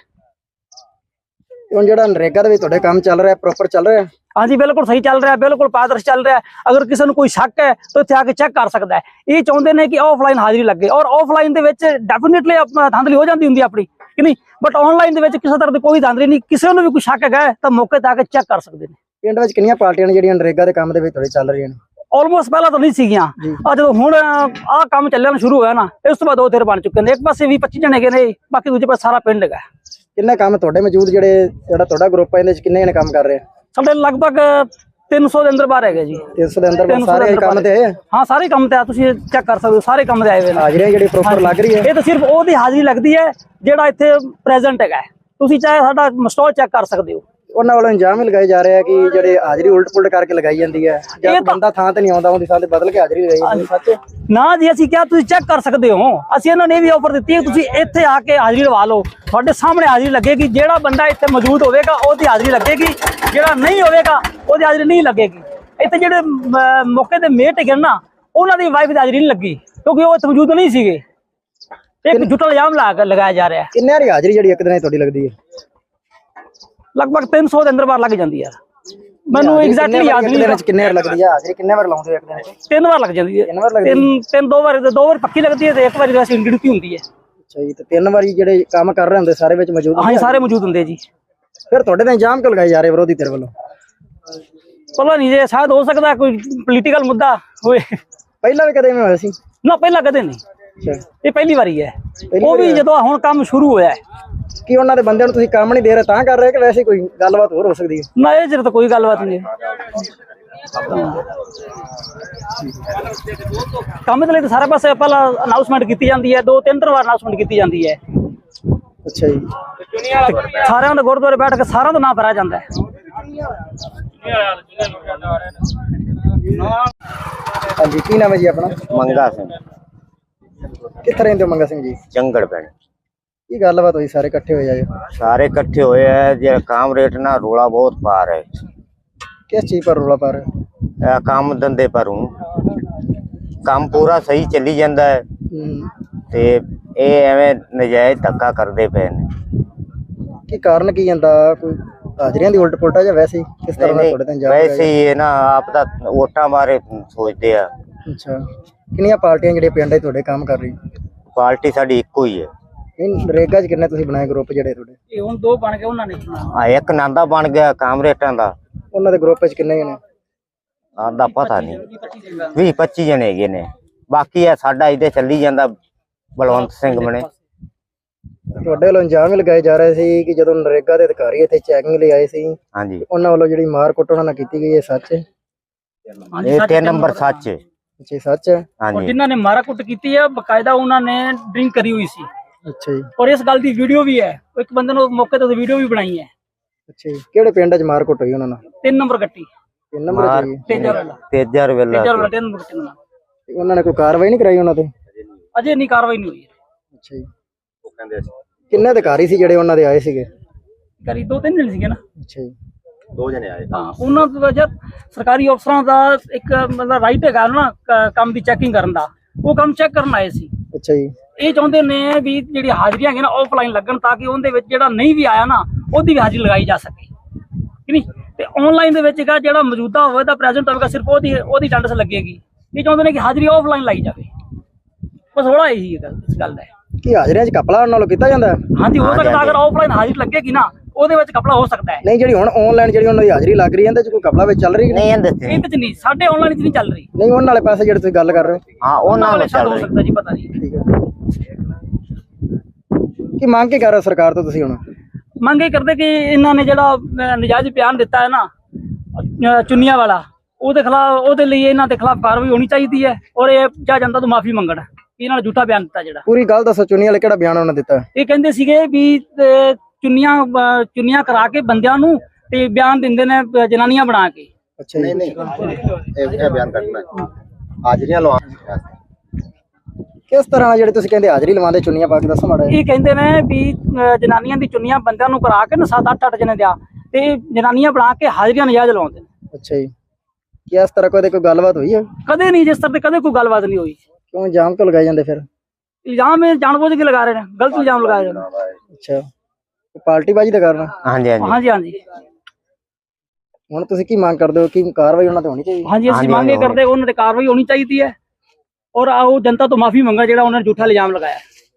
S1: ਹੁਣ ਜਿਹੜਾ ਨਰੇਗਾ ਦੇ ਵਿੱਚ ਤੁਹਾਡੇ ਕੰਮ ਚੱਲ ਰਿਹਾ, ਪ੍ਰੋਪਰ ਚੱਲ ਰਿਹਾ?
S7: ਹਾਂਜੀ ਬਿਲकुल ਸਹੀ ਚੱਲ ਰਿਹਾ, ਬਿਲकुल ਪਾਰਦਰਸ਼ੀ ਚੱਲ ਰਿਹਾ। ਅਗਰ ਕਿਸੇ ਨੂੰ ਕੋਈ ਸ਼ੱਕ ਹੈ ਤਾਂ ਇੱਥੇ ਆ ਕੇ ਚੈੱਕ ਕਰ ਸਕਦਾ ਹੈ। ਇਹ ਚਾਹੁੰਦੇ ਨੇ ਕਿ ਆਫਲਾਈਨ ਹਾਜ਼ਰੀ ਲੱਗੇ ਔਰ ਆਫਲਾਈਨ ਦੇ ਵਿੱਚ ਡੈਫੀਨਿਟਲੀ ਧਾਂਦਲੀ ਹੋ ਜਾਂਦੀ ਹੁੰਦੀ ਆਪਣੀ, ਕਿ ਨਹੀਂ, ਬਟ ਆਨਲਾਈਨ ਦੇ ਵਿੱਚ ਕਿਸੇ ਤਰ੍ਹਾਂ ਦੀ ਕੋਈ ਧਾਂਦਲੀ ਨਹੀਂ। ਕਿਸੇ ਨੂੰ ਵੀ ਕੋਈ ਸ਼ੱਕ ਹੈਗਾ ਤਾਂ ਮੌਕੇ ਤੇ ਆ ਕੇ ਚੈੱਕ ਕਰ ਸਕਦੇ ਨੇ।
S1: ਪਿੰਡ ਵਿੱਚ ਕਿੰਨੀਆਂ ਪਾਰਟੀਆਂ ਨੇ ਜਿਹੜੀਆਂ ਨਰੇਗਾ ਦੇ ਕੰਮ ਦੇ ਵਿੱਚ ਤੁਹਾਡੇ ਚੱਲ ਰਹੀਆਂ ਨੇ?
S7: ਆਲਮੋਸਟ ਪਹਿਲਾਂ ਤਾਂ ਨਹੀਂ ਸੀਗੀਆਂ, ਆ ਜਦੋਂ ਹੁਣ ਆਹ ਕੰਮ ਚੱਲਣਾ ਸ਼ੁਰੂ ਹੋਇਆ ਨਾ, ਇਸ ਤੋਂ ਬਾਅਦ ਦੋ ਧਿਰ ਬਣ ਚੁੱਕੇ ਨੇ। ਇੱਕ ਪਾਸੇ 20-25 ਜਣੇ ਹੈਗੇ ਨੇ, ਬਾਕੀ ਦੂਜੇ ਪਾਸੇ ਸਾਰਾ ਪਿੰਡ ਹੈਗਾ।
S1: ਕਿੰਨੇ ਕੰਮ ਤੁਹਾਡੇ ਮੌਜੂਦ ਜਿਹੜਾ ਤੁਹਾਡਾ ਗਰੁੱਪ ਹੈ ਇਹਦੇ ਵਿੱਚ ਕਿੰਨੇ ਜਣੇ ਕੰਮ ਕਰ ਰਹੇ?
S7: ਸਾਡੇ ਲਗਭਗ 300 ਦੇ ਅੰਦਰ ਬਾਹਰ ਹੈਗੇ ਜੀ।
S1: 300 ਦੇ ਅੰਦਰ ਸਾਰੇ ਕੰਮ ਤੇ?
S7: ਹਾਂ ਸਾਰੇ ਕੰਮ ਤੇ ਆ, ਤੁਸੀਂ ਚੈੱਕ ਕਰ ਸਕਦੇ ਹੋ, ਸਾਰੇ ਕੰਮ ਤੇ ਆਏ ਹੋਏ ਨੇ।
S1: ਹਾਜ਼ਰੀ ਜਿਹੜੀ ਪ੍ਰੋਪਰ ਲੱਗ ਰਹੀ ਹੈ?
S7: ਇਹ ਤਾਂ ਸਿਰਫ ਉਹਦੀ ਹਾਜ਼ਰੀ ਲੱਗਦੀ ਹੈ ਜਿਹੜਾ ਇੱਥੇ ਪ੍ਰੈਜ਼ੈਂਟ ਹੈਗਾ। ਤੁਸੀਂ ਚਾਹੇ ਸਾਡਾ ਸਟਾਲ ਚੈੱਕ ਕਰ ਸਕਦੇ ਹੋ।
S1: ਉਹਨਾਂ ਵੱਲੋਂ ਇਲਜ਼ਾਮ ਵੀ ਲਗਾਏ ਜਾ ਰਹੇ ਆ ਕਿ ਜਿਹੜੇ ਹਾਜ਼ਰੀ ਉਲਟ ਪੁਲਟ ਕਰਕੇ ਲਗਾਈ ਜਾਂਦੀ ਹੈ, ਜੇ ਬੰਦਾ ਥਾਂ ਤੇ ਨਹੀਂ ਆਉਂਦਾ ਉਹਦੀ ਥਾਂ ਤੇ ਬਦਲ ਕੇ ਹਾਜ਼ਰੀ ਲਗਾਈ ਜਾਂਦੀ ਹੈ। ਸੱਚ
S7: ਨਾ ਜੀ, ਅਸੀਂ ਕਿਹਾ ਤੁਸੀਂ ਚੈੱਕ ਕਰ ਸਕਦੇ ਹੋ। ਅਸੀਂ ਇਹਨਾਂ ਨੇ ਵੀ ਆਫਰ ਦਿੱਤੀ ਹੈ ਤੁਸੀਂ ਇੱਥੇ ਆ ਕੇ ਹਾਜ਼ਰੀ ਲਵਾ ਲਓ, ਤੁਹਾਡੇ ਸਾਹਮਣੇ ਹਾਜ਼ਰੀ ਲੱਗੇਗੀ। ਜਿਹੜਾ ਬੰਦਾ ਇੱਥੇ ਮੌਜੂਦ ਹੋਵੇਗਾ ਉਹਦੀ ਹਾਜ਼ਰੀ ਲੱਗੇਗੀ, ਜਿਹੜਾ ਨਹੀਂ ਹੋਵੇਗਾ ਉਹਦੀ ਹਾਜ਼ਰੀ ਨਹੀਂ ਲੱਗੇਗੀ। ਇੱਥੇ ਜਿਹੜੇ ਮੌਕੇ ਦੇ ਮੇਟ ਹੈਗੇ ਨਾ, ਉਹਨਾਂ ਦੀ ਵਾਈਫ ਦੀ ਹਾਜ਼ਰੀ ਨਹੀਂ ਲੱਗੀ ਕਿਉਂਕਿ ਉਹ ਇੱਥੇ ਮੌਜੂਦ ਨਹੀਂ ਸੀਗੇ। ਇੱਕ ਝੂਠਾ ਇਲਜ਼ਾਮ ਲਗਾਇਆ ਜਾ ਰਿਹਾ ਹੈ।
S1: ਕਿੰਨੇ ਵਾਰੀ ਹਾਜ਼ਰੀ ਜਿਹੜੀ ਇੱਕ ਦਿਨ ਤੁਹਾਡੀ ਲੱਗਦੀ ਹੈ?
S7: ਲਗਭਗ 300 ਦੇ ਅੰਦਰ ਬਾਹਰ ਲੱਗ ਜਾਂਦੀ ਹੈ। ਮੈਨੂੰ ਐਗਜ਼ੈਕਟਲੀ ਯਾਦ ਨਹੀਂ
S1: ਕਿੰਨੇ ਵਾਰ ਲੱਗਦੀ ਹੈ ਹਾਜ਼ਰੀ, ਕਿੰਨੇ ਵਾਰ ਲਾਉਂਦੇ ਹੋ ਇੱਕ ਦਿਨ ਚ?
S7: 3 ਵਾਰ ਲੱਗ ਜਾਂਦੀ ਹੈ।
S1: 3 ਵਾਰ ਲੱਗਦੀ ਹੈ?
S7: ਦੋ ਵਾਰ ਪੱਕੀ ਲੱਗਦੀ ਹੈ ਤੇ ਇੱਕ ਵਾਰੀ ਵੈਸੇ ਗਿਣਤੀ ਹੁੰਦੀ ਹੈ।
S1: ਅੱਛਾ ਜੀ, ਤੇ 3 ਵਾਰੀ ਜਿਹੜੇ ਕੰਮ ਕਰ ਰਹੇ ਹੁੰਦੇ ਸਾਰੇ ਵਿੱਚ ਮੌਜੂਦ?
S7: ਹਾਂਜੀ ਸਾਰੇ ਮੌਜੂਦ ਹੁੰਦੇ ਜੀ।
S1: ਫਿਰ ਤੁਹਾਡੇ ਤੇ ਇਲਜ਼ਾਮ ਕਿਉਂ ਲਗਾਏ ਜਾ ਰਹੇ ਵਿਰੋਧੀ ਧਿਰ ਵੱਲੋਂ?
S7: ਪਤਾ ਨਹੀਂ ਜੇ ਸ਼ਾਇਦ ਹੋ ਸਕਦਾ ਕੋਈ ਪੋਲੀਟੀਕਲ ਮੁੱਦਾ ਹੋਏ।
S1: ਪਹਿਲਾਂ ਵੀ ਕਦੇ ਐਵੇਂ ਹੋਇਆ ਸੀ?
S7: ਨਾ ਪਹਿਲਾਂ ਕਦੇ ਨਹੀਂ,
S1: ਅੱਛਾ,
S7: ਇਹ ਪਹਿਲੀ ਵਾਰੀ ਹੈ। ਉਹ ਵੀ ਜਦੋਂ ਹੁਣ ਕੰਮ ਸ਼ੁਰੂ ਹੋਇਆ ਹੈ।
S1: ਕੀ ਉਹਨਾਂ ਦੇ ਬੰਦਿਆਂ ਨੂੰ ਤੁਸੀਂ ਕੰਮ ਨਹੀਂ ਦੇ ਰਹੇ ਤਾਂ ਕਰ ਰਹੇ, ਕਿ ਵੈਸੇ ਕੋਈ ਗੱਲਬਾਤ ਹੋਰ ਹੋ ਸਕਦੀ ਹੈ?
S7: ਨਾ ਇਹ ਤਾਂ ਕੋਈ ਗੱਲਬਾਤ ਨਹੀਂ ਹੈ। ਕੰਮ ਦੇ ਲਈ ਤਾਂ ਸਾਰੇ ਪਾਸੇ ਪਹਿਲਾਂ ਅਨਾਉਂਸਮੈਂਟ ਕੀਤੀ ਜਾਂਦੀ ਹੈ, 2-3 ਵਾਰ ਅਨਾਉਂਸਮੈਂਟ ਕੀਤੀ ਜਾਂਦੀ ਹੈ।
S1: ਅੱਛਾ ਜੀ।
S7: ਸਾਰਿਆਂ ਦੇ ਗੁਰਦੁਆਰੇ ਬੈਠ ਕੇ ਸਾਰਿਆਂ ਦਾ ਨਾਂ ਭਰਿਆ ਜਾਂਦਾ ਹੈ।
S1: ਹਾਂਜੀ, ਕੀ ਨਾਮ ਹੈ ਜੀ ਆਪਣਾ?
S8: ਮੰਗਾ ਸਿੰਘ,
S1: ਕਿੱਥੇ ਰਹਿੰਦੇ ਹੋ ਮੰਗਾ ਸਿੰਘ ਜੀ?
S8: ਚੰਗੜ ਪਿੰਡ।
S1: ਕੀ ਗੱਲਬਾਤ ਹੋਈ, ਸਾਰੇ ਇਕੱਠੇ ਹੋਏ ਆਏ?
S8: ਸਾਰੇ ਇਕੱਠੇ ਹੋਏ ਹੈ ਜੇ काम रेट ना रोला बहुत पा रहे।
S1: किस चीज पर रोला पा रहे हो?
S8: काम धंधे पर हूँ, काम पूरा सही चली जाता है ते ये एवें नजायज धक्का करते पे ने।
S1: की कारण की ਜਾਂਦਾ ਕੋਈ ਹਾਜ਼ਰੀਆਂ ਦੀ ਉਲਟ ਪੁਲਟਾ ਜਾਂ ਵੈਸੇ ਹੀ ਕਿਸ ਤਰ੍ਹਾਂ ਦਾ ਤੁਹਾਡੇ ਤੇ ਇੰਜਾਮ ਲਗਾਇਆ?
S8: वैसे ही है ना, आप दा वोटां बारे सोचते हैं।
S1: ਅੱਛਾ, ਕਿੰਨੀਆਂ ਪਾਰਟੀਆਂ ਜਿਹੜੇ ਪਿੰਡ 'ਚ ਤੁਹਾਡੇ ਕੰਮ ਕਰ ਰਹੀ?
S8: पार्टी साडी इक्को ही है।
S1: ਨਹੀਂ, ਨਰੇਗਾ 'ਚ ਕਿੰਨੇ ਤੁਸੀਂ ਬਣਾਏ ਗਰੁੱਪ ਜਿਹੜੇ ਤੁਹਾਡੇ?
S7: ਇਹ ਹੁਣ 2 ਬਣ ਗਏ, ਉਹਨਾਂ ਨੇ
S8: एक नांदा बन गया काम रेटां दा,
S1: ਉਹਨਾਂ ਦੇ ਗਰੁੱਪ 'ਚ ਕਿੰਨੇ ਜਣੇ?
S8: आदा पता नहीं 20-25 जने हैगे ने। बाकी है साडा इधे चली जांदा बलवंत सिंह बने।
S1: ਤੁਹਾਡੇ ਵੱਲੋਂ ਇੰਜਾਮ ਵੀ ਲਗਾਏ ਜਾ ਰਹੇ ਸੀ ਕਿ ਜਦੋਂ ਨਰੇਗਾ ਦੇ ਅਧਿਕਾਰੀ ਇੱਥੇ ਚੈਕਿੰਗ ਲਈ ਆਏ ਸੀ,
S8: हाँ जी,
S1: ਉਹਨਾਂ ਵੱਲੋਂ ਜਿਹੜੀ ਮਾਰ ਕੁੱਟ ਉਹਨਾਂ ਨਾਲ ਕੀਤੀ ਗਈ ਹੈ, ਸੱਚ ਹੈ?
S8: ये 3 नंबर सच है।
S1: ਅੱਛਾ, ਸੱਚ ਹੈ?
S8: हाँ
S7: ਔਰ
S8: जी,
S7: ਜਿਨ੍ਹਾਂ ਨੇ ਮਾਰਾ ਕੁੱਟ ਕੀਤੀ ਹੈ ਬਕਾਇਦਾ ਉਹਨਾਂ ਨੇ ਡਰਿੰਕ ਕਰੀ ਹੋਈ ਸੀ,
S1: ਅੱਛਾ ਜੀ।
S7: ਔਰ ਇਸ ਗੱਲ ਦੀ ਵੀਡੀਓ ਵੀ ਹੈ। ਇੱਕ ਬੰਦੇ ਨੂੰ ਮੌਕੇ ਤੇ ਵੀਡੀਓ ਵੀ ਬਣਾਈ ਹੈ।
S1: ਅੱਛਾ ਜੀ, ਕਿਹੜੇ ਪਿੰਡ 'ਚ ਮਾਰ ਕੁੱਟ ਹੋਈ ਉਹਨਾਂ ਨਾਲ?
S7: 3 ਨੰਬਰ ਗੱਟੀ,
S1: 3 ਨੰਬਰ 'ਚ ਜੀ?
S7: ਤੇਜਰ ਵਾਲਾ,
S8: तेजर वेला
S7: 3 ਨੰਬਰ ਗੱਟੀ ਨਾਲ।
S1: ਤੇ ਉਹਨਾਂ ਨੇ ਕੋਈ ਕਾਰਵਾਈ ਨਹੀਂ ਕਰਾਈ ਉਹਨਾਂ ਤੇ?
S7: ਅਜੇ ਨਹੀਂ ਕਾਰਵਾਈ ਨਹੀਂ ਹੋਈ।
S1: ਅੱਛਾ ਜੀ। ਕਿੰਨੇ ਅਧਿਕਾਰੀ ਸੀ ਜਿਹੜੇ ਉਹਨਾਂ ਦੇ ਆਏ ਸੀਗੇ?
S7: ਕਰੀ 2-3 ਦਿਨ ਸੀਗੇ ਨਾ।
S1: ਅੱਛਾ ਜੀ।
S8: 2 जने आए।
S7: ਹਾਂ, ਉਹਨਾਂ ਦਾ ਜਦ ਸਰਕਾਰੀ ਅਫਸਰਾਂ ਦਾ ਇੱਕ ਮਤਲਬ ਰਾਈਟ ਹੈਗਾ ਨਾ ਕੰਮ ਦੀ ਚੈਕਿੰਗ ਕਰਨ ਦਾ, ਉਹ ਕੰਮ ਚੈੱਕ ਕਰਨ ਆਏ ਸੀ।
S1: ਅੱਛਾ ਜੀ।
S7: ਇਹ ਚਾਹੁੰਦੇ ਨੇ ਵੀ ਜਿਹੜੀ ਹਾਜ਼ਰੀਆਂ ਹੈਗੀਆਂ ਨਾ ਆਫਲਾਈਨ ਲੱਗਣ, ਤਾਂ ਕਿ ਉਹਦੇ ਵਿੱਚ ਜਿਹੜਾ ਨਹੀਂ ਵੀ ਆਇਆ ਨਾ ਉਹਦੀ ਵੀ ਹਾਜ਼ਰੀ ਲਗਾਈ ਜਾ ਸਕੇ, ਕਿ ਨਹੀਂ? ਤੇ ਆਨਲਾਈਨ ਦੇ ਵਿੱਚ ਹੈਗਾ ਜਿਹੜਾ ਮੌਜੂਦਾ ਹੋਵੇ ਤਾਂ ਪ੍ਰੈਜ਼ੈਂਟ ਹੋਵੇਗਾ, ਸਿਰਫ ਉਹਦੀ ਅਟੈਂਡੈਂਸ ਲੱਗੇਗੀ। ਇਹ ਚਾਹੁੰਦੇ ਨੇ ਕਿ ਹਾਜ਼ਰੀ ਆਫਲਾਈਨ ਲਾਈ ਜਾਵੇ। ਬਸ ਥੋੜਾ ਇਹੀ ਹੈ ਇਸ ਗੱਲ ਦਾ।
S1: ਕੀ ਹਾਜ਼ਰੀਆਂ 'ਚ ਕਪਲਾ ਉਹਨਾਂ ਨਾਲੋਂ ਕੀਤਾ ਜਾਂਦਾ?
S7: ਹਾਂਜੀ, ਹੋ ਸਕਦਾ ਅਗਰ ਆਫਲਾਈਨ ਹਾਜ਼ਰੀ ਲੱਗੇਗੀ ਨਾ ਉਹਦੇ ਵਿੱਚ ਕਪੜਾ ਹੋ ਸਕਦਾ ਹੈ।
S1: ਨਹੀਂ, ਜਿਹੜੀ ਹੁਣ ਆਨਲਾਈਨ ਜਿਹੜੀ ਉਹਨਾਂ ਦੀ ਹਾਜ਼ਰੀ ਲੱਗ ਰਹੀ ਹੈ, ਇਹਦੇ 'ਚ ਕੋਈ ਕਪਲਾ ਵਿੱਚ ਚੱਲ ਰਹੀ ਕਿ ਨਹੀਂ?
S8: नहीं दसते
S7: ਇਹਦੇ ਚ ਨਹੀਂ, ਸਾਡੇ ਆਨਲਾਈਨ ਚ ਨਹੀਂ ਚੱਲ ਰਹੀ।
S1: ਨਹੀਂ, ਉਹਨਾਂ ਵਾਲੇ ਪਾਸੇ ਜਿਹੜੇ ਤੁਸੀਂ ਗੱਲ ਕਰ ਰਹੇ ਹੋ?
S8: हाँ
S7: ਉਹਨਾਂ
S8: उन्होंने
S7: ਵਾਲੇ ਸ਼ਾਇਦ
S8: चल
S7: ਹੋ
S8: रही।
S7: ਸਕਦਾ ਜੀ, ਪਤਾ ਨਹੀਂ।
S1: ਠੀਕ ਹੈ। ਕੀ ਮੰਗ ਕੇ ਕਰ ਰਹੇ ਹੋ ਸਰਕਾਰ ਤੋਂ ਤੁਸੀਂ ਹੁਣ?
S7: ਮੰਗ ਇਹ ਕਰਦੇ ਕਿ ਇਹਨਾਂ ਨੇ ਜਿਹੜਾ ਨਜਾਇਜ਼ ਬਿਆਨ ਦਿੱਤਾ ਹੈ ਨਾ ਚੁੰਨੀਆਂ ਵਾਲਾ, ਉਹਦੇ ਖਿਲਾਫ, ਉਹਦੇ ਲਈ ਇਹਨਾਂ ਦੇ ਖਿਲਾਫ ਕਾਰਵਾਈ ਹੋਣੀ ਚਾਹੀਦੀ ਹੈ। ਔਰ ਇਹ ਜਾਂ ਜਨਤਾ ਤੋਂ ਮਾਫੀ ਮੰਗਣ ਕਿ ਇਹਨਾਂ ਨੇ ਝੂਠਾ ਬਿਆਨ ਦਿੱਤਾ। ਜਿਹੜਾ
S1: ਪੂਰੀ ਗੱਲ ਦੱਸੋ, ਚੁੰਨੀ ਵਾਲੇ ਕਿਹੜਾ ਬਿਆਨ ਉਹਨਾਂ ਦਿੱਤਾ?
S7: ਇਹ ਕਹਿੰਦੇ ਸੀਗੇ ਵੀ ਚੁੰਨੀਆਂ ਕਰਾ ਕੇ ਬੰਦਿਆਂ ਨੂੰ ਤੇ ਬਿਆਨ ਦਿੰਦੇ ਨੇ ਜਨਾਨੀਆਂ ਬਣਾ ਕੇ।
S1: ਅੱਛਾ ਜੀ।
S8: ये बयान करना है हाजरियां लवा।
S1: ਕਿਸ ਤਰ੍ਹਾਂ ਨਾਲ ਜਿਹੜੇ ਤੁਸੀਂ ਕਹਿੰਦੇ ਹਾਜ਼ਰੀ ਲਵਾਉਂਦੇ ਚੁੰਨੀਆਂ ਪਾ ਕੇ, ਦੱਸੋ ਮਾੜਾ ਜਿਹਾ।
S7: ਇਹ ਕਹਿੰਦੇ ਨੇ ਵੀ ਜਨਾਨੀਆਂ ਦੀ ਚੁੰਨੀਆਂ ਬੰਦਿਆਂ ਨੂੰ ਕਰਾ ਕੇ ਨਾ 7-8 ਜਣੇ ਦਿਆ ਤੇ ਜਨਾਨੀਆਂ ਬਣਾ ਕੇ ਹਾਜ਼ਰੀਆਂ ਨਜਾਇਜ਼ ਲਵਾਉਂਦੇ ਨੇ।
S1: ਅੱਛਾ ਜੀ। ਕੀ ਇਸ ਤਰ੍ਹਾਂ ਕੋਈ ਗੱਲਬਾਤ ਹੋਈ ਹੈ?
S7: ਕਦੇ ਨਹੀਂ, ਜਿਸ ਤਰ੍ਹਾਂ ਤੇ ਕਦੇ ਕੋਈ ਗੱਲਬਾਤ ਨਹੀਂ ਹੋਈ।
S1: ਕਿਉਂ ਇਲਜ਼ਾਮ ਕਿਉਂ ਲਗਾਏ ਜਾਂਦੇ ਫਿਰ?
S7: ਇਲਜ਼ਾਮ ਇਹ ਜਾਣਬੁੱਝ ਕੇ ਲਗਾ ਰਹੇ ਨੇ, ਗਲਤ ਇਲਜ਼ਾਮ ਲਗਾਏ ਜਾਂਦੇ।
S1: ਅੱਛਾ, ਪਾਰਟੀਬਾਜ਼ੀ ਦਾ ਕਾਰਨ?
S8: हाँ जी, हाँ जी,
S7: ਹਾਂਜੀ ਹਾਂਜੀ
S1: ਹੁਣ ਤੁਸੀਂ ਕੀ ਮੰਗ ਕਰਦੇ ਹੋ ਕਿ ਕਾਰਵਾਈ ਉਹਨਾਂ ਤੇ ਹੋਣੀ ਚਾਹੀਦੀ?
S7: ਹਾਂਜੀ, ਅਸੀਂ ਮੰਗ ਇਹ ਕਰਦੇ ਉਹਨਾਂ ਤੇ ਕਾਰਵਾਈ ਹੋਣੀ ਚਾਹੀਦੀ ਹੈ। ਔਰ ਉਹ ਜਨਤਾ ਤੋਂ ਮਾਫੀ ਮੰਗਾ ਜਿਹੜਾ ਉਹਨਾਂ ਨੇ ਝੂਠਾ ਇਲਜ਼ਾਮ ਲਗਾਇਆ।